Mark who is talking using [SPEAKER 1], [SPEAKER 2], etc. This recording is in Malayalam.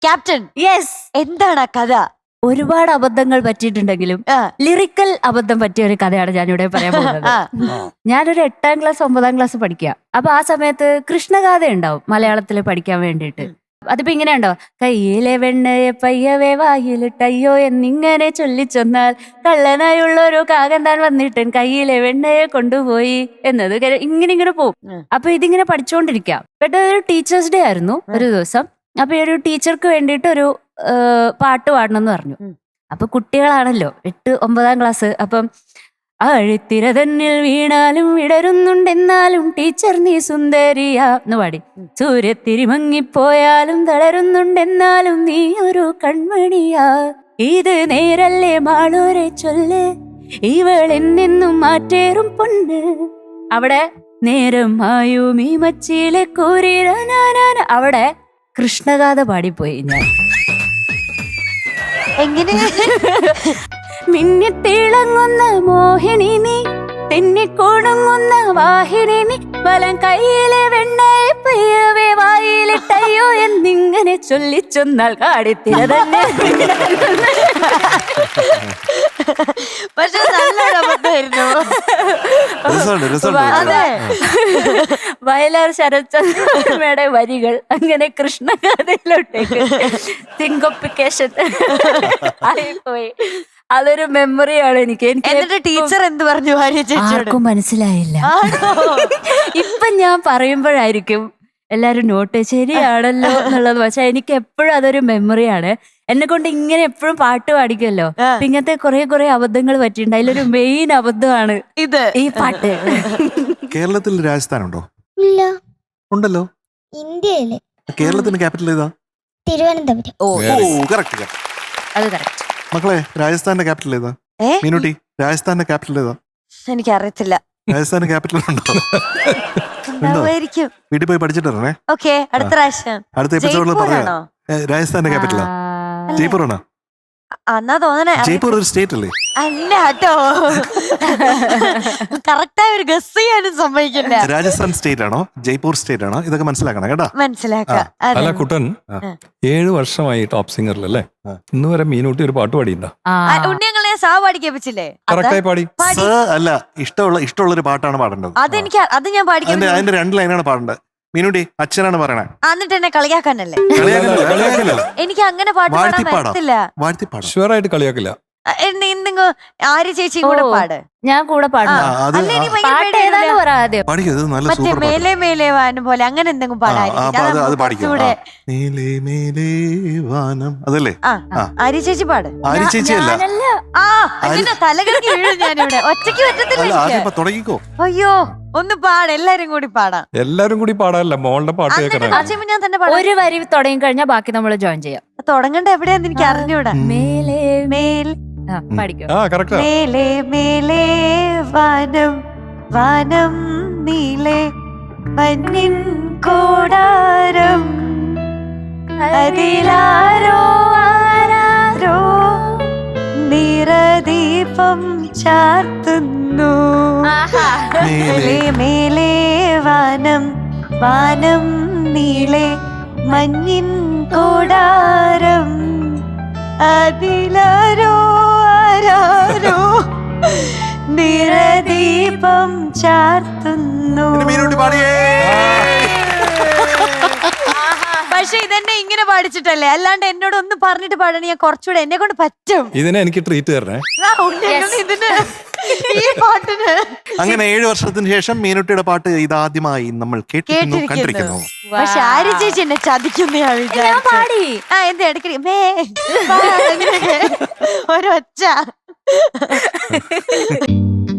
[SPEAKER 1] ക്യാപ്റ്റൻ.
[SPEAKER 2] യെസ്.
[SPEAKER 1] എന്താണ് ആ കഥ?
[SPEAKER 2] ഒരുപാട് അബദ്ധങ്ങൾ പറ്റിയിട്ടുണ്ടെങ്കിലും ലിറിക്കൽ അബദ്ധം പറ്റിയ ഒരു കഥയാണ് ഞാനിവിടെ പറയാൻ പോകുന്നത്. ഞാനൊരു 8ാം ക്ലാസ് 9ാം ക്ലാസ് പഠിക്കുക. അപ്പൊ ആ സമയത്ത് കൃഷ്ണഗാഥ ഉണ്ടാവും മലയാളത്തിൽ പഠിക്കാൻ വേണ്ടിയിട്ട്. അതിപ്പോ ഇങ്ങനെ ഉണ്ടോ, കയ്യിലെ വെണ്ണയെ പയ്യവേ വായിലിട്ടയ്യോ എന്നിങ്ങനെ ചൊല്ലിച്ചൊന്നാൽ കള്ളനായുള്ളൊരു കാകൻ താൻ വന്നിട്ട് കയ്യിലെ വെണ്ണയെ കൊണ്ടുപോയി എന്നത് ഇങ്ങനെ പോവും. അപ്പൊ ഇതിങ്ങനെ പഠിച്ചുകൊണ്ടിരിക്കാം. പെട്ടെന്ന് ഒരു ടീച്ചേഴ്സ് ഡേ ആയിരുന്നു ഒരു ദിവസം. അപ്പൊ ഈ ഒരു ടീച്ചർക്ക് വേണ്ടിയിട്ട് ഒരു പാട്ട് പാടണം എന്ന് പറഞ്ഞു. അപ്പൊ കുട്ടികളാണല്ലോ 8, 9ാം ക്ലാസ്. അപ്പം അഴുത്തിര തന്നിൽ വീണാലും വിടരുന്നുണ്ടെന്നാലും ടീച്ചർ നീ സുന്ദരിയാ എന്ന് പാടി. സൂര്യത്തിരി മങ്ങിപ്പോയാലും തളരുന്നുണ്ടെന്നാലും നീ ഒരു കൺമണിയാ. ഇത് നേരല്ലേ മാളൂരെ ചൊല്ല്, ഇവൾ എന്നെന്നും മാറ്റേറും പൊണ്ണ്. അവിടെ നേരം ആയും ഈ മച്ചിയിലെ കൂരിരാനാന. അവിടെ കൃഷ്ണഗാഥ പാടിപ്പോയി ഞാൻ.
[SPEAKER 1] എങ്ങനെ?
[SPEAKER 2] മിന്നിത്തിളങ്ങുന്ന മോഹിനി നീ, തെന്നിക്കൊടുങ്ങുന്ന വാഹിനി നീ, വലം കയ്യിലെ വെണ്ണയെ പയ്യവേ വായിലിട്ടയ്യോ എന്നിങ്ങനെ ചൊല്ലിച്ചൊന്നാൽ കാടിത്തിര തന്നെ.
[SPEAKER 1] പക്ഷെ നല്ലൊരു അബദ്ധമായിരുന്നു.
[SPEAKER 2] അതെ, വയലാർ ശരത്ചന്ദ്രയുടെ വരികൾ അങ്ങനെ കൃഷ്ണഗാഥയിലോട്ടേക്ക് സിങ്കോപ്പിക്കേഷൻ ആയിപ്പോയി. അതൊരു മെമ്മറിയാണ് എനിക്ക്.
[SPEAKER 1] എന്നിട്ട് ടീച്ചർ എന്ത് പറഞ്ഞു ഭാര്യ ചേച്ചിയോട്?
[SPEAKER 2] ആർക്കും മനസ്സിലായില്ല. ഇപ്പൊ ഞാൻ പറയുമ്പോഴായിരിക്കും എല്ലാരും നോട്ട് ശരിയാണല്ലോ എന്നുള്ളത്. പക്ഷെ എനിക്ക് എപ്പോഴും അതൊരു മെമ്മറിയാണ്. എന്നെ കൊണ്ട് ഇങ്ങനെ എപ്പോഴും പാട്ട് പാടിക്കുമല്ലോ. ഇങ്ങനത്തെ കുറെ അബദ്ധങ്ങൾ പറ്റിയിട്ടുണ്ട്. അതിലൊരു മെയിൻ അബദ്ധമാണ്
[SPEAKER 1] ഇത്,
[SPEAKER 2] ഈ പാട്ട്.
[SPEAKER 3] കേരളത്തിൽ രാജസ്ഥാനുണ്ടോ?
[SPEAKER 4] ഇല്ല.
[SPEAKER 3] ഉണ്ടല്ലോ.
[SPEAKER 4] ഇന്ത്യയില്
[SPEAKER 3] കേരളത്തിന്റെ ക്യാപിറ്റൽ ഏതാ?
[SPEAKER 4] തിരുവനന്തപുരം.
[SPEAKER 3] കറക്റ്റ്.
[SPEAKER 2] അത് കറക്റ്റ്.
[SPEAKER 3] മക്കളെ, രാജസ്ഥാന്റെ ക്യാപിറ്റൽ ഏതാ? മീനുട്ടി, രാജസ്ഥാന്റെ ക്യാപിറ്റൽ ഏതാ?
[SPEAKER 1] എനിക്കറിയത്തില്ല.
[SPEAKER 3] രാജസ്ഥാന്റെ ക്യാപിറ്റൽ ഉണ്ടോ? വീട്ടിൽ പോയി പഠിച്ചിട്ട് വരണേ.
[SPEAKER 1] ഓക്കെ, അടുത്ത പ്രാവശ്യം.
[SPEAKER 3] അടുത്ത എപ്പിസോഡിൽ പറയാം. രാജസ്ഥാന്റെ ക്യാപിറ്റലാ ജയ്പൂർ ആണോ?
[SPEAKER 1] എന്നാ തോന്നണേ.
[SPEAKER 3] ജയ്പൂർ ഒരു സ്റ്റേറ്റ് അല്ലേ?
[SPEAKER 1] അല്ല കേട്ടോ, കറക്റ്റായി ഒരു ഗസ് ചെയ്യാനും സമ്മതിക്കില്ല.
[SPEAKER 3] രാജസ്ഥാൻ സ്റ്റേറ്റ് ആണോ ജയ്പൂർ സ്റ്റേറ്റ് ആണോ ഇതൊക്കെ മനസ്സിലാക്കണം കേട്ടോ.
[SPEAKER 1] മനസ്സിലാക്കാം.
[SPEAKER 5] അല്ല കുട്ടൻ, 7 വർഷമായി ടോപ്പ് സിംഗറിലല്ലേ? ഇന്ന് വരെ മീനൂട്ടി ഒരു പാട്ട് പാടിയിട്ടുണ്ടോ?
[SPEAKER 1] ഉണ്ണിയങ്ങളെ സാ പാടിക്കേപ്പിച്ചില്ലേ?
[SPEAKER 5] കറക്റ്റായി പാടി.
[SPEAKER 3] അല്ല, ഇഷ്ടമുള്ളൊരു പാട്ടാണ് പാടേണ്ടത്.
[SPEAKER 1] അത് ഞാൻ പാടിക്കാൻ.
[SPEAKER 3] അതിന്റെ 2 ലൈനാണ് പാടേണ്ടത്. മീനുട്ടി അച്ഛനാണ് പറയണേ.
[SPEAKER 1] എന്നിട്ട് എന്നെ കളിയാക്കാനല്ലേ? എനിക്ക് അങ്ങനെ പാട്ട് പാടാൻ പറ്റത്തില്ല.
[SPEAKER 5] ഷുവറായിട്ട് കളിയാക്കില്ല.
[SPEAKER 1] എന്തെങ്കിലും ആര്യ ചേച്ചി കൂടെ പാട്.
[SPEAKER 2] ഞാൻ കൂടെ പാടുന്നു.
[SPEAKER 1] മറ്റേ മേലെ മേലെ വാനം പോലെ അങ്ങനെ എന്തെങ്കിലും പാടായിരിക്കും.
[SPEAKER 3] അതല്ലേ
[SPEAKER 1] ആര്യ ചേച്ചി പാട്.
[SPEAKER 3] ആര്യ ചേച്ചി അല്ല.
[SPEAKER 1] തലകൾക്ക് വീഴും ഞാനിവിടെ. ഒറ്റയ്ക്ക് പറ്റത്തില്ല.
[SPEAKER 3] തുടങ്ങിക്കോ.
[SPEAKER 1] അയ്യോ, ഒന്ന് പാട്. എല്ലാരും കൂടി പാടാം.
[SPEAKER 5] എല്ലാരും കൂടി പാടാനല്ല, മോളുടെ പാട്ട് കേൾക്കണം.
[SPEAKER 1] ഞാൻ തന്നെ പാടാം.
[SPEAKER 2] ഒരു വരി തുടങ്ങി കഴിഞ്ഞാൽ ബാക്കി നമ്മൾ ജോയിൻ ചെയ്യാം.
[SPEAKER 1] തുടങ്ങണ്ട എവിടെയാന്ന് എനിക്ക് അറിഞ്ഞൂടാ.
[SPEAKER 2] മേലെ
[SPEAKER 1] മേൽ
[SPEAKER 5] മേലെ
[SPEAKER 1] മേലെ വാനം വാനം നീലെ മഞ്ഞിൻ കൂടാരം അതിലാരോ ആരാരോ നിറദീപം ചാർത്തുന്നു. മേലെ മേലെ വാനം വാനം നീലെ മഞ്ഞിൻ കൂടാരം അതിലാരോ ആരാരോ നിറദീപം ചാർത്തുന്നു. പക്ഷെ ഇതെന്നെ ഇങ്ങനെ പാടിച്ചിട്ടല്ലേ, അല്ലാണ്ട് എന്നോട് ഒന്ന് പറഞ്ഞിട്ട് പാടണേ. ഞാൻ കുറച്ചുകൂടെ എന്നെ കൊണ്ട് പറ്റും.
[SPEAKER 5] ഇതിനെ എനിക്ക് ട്രീറ്റ് തരണേ.
[SPEAKER 1] ഇതിന് ഈ പാട്ടിന്
[SPEAKER 3] അങ്ങനെ 7 വർഷത്തിന് ശേഷം മീനുട്ടിയുടെ പാട്ട് ഇതാദ്യമായി നമ്മൾ കണ്ടിരിക്കുന്നു.
[SPEAKER 1] പക്ഷെ ആര്യ ചേച്ചി എന്നെ ചതിക്കുന്നതാണ് വിചാരിച്ചു. എന്ത് ഇടയ്ക്ക് ഒരൊച്ച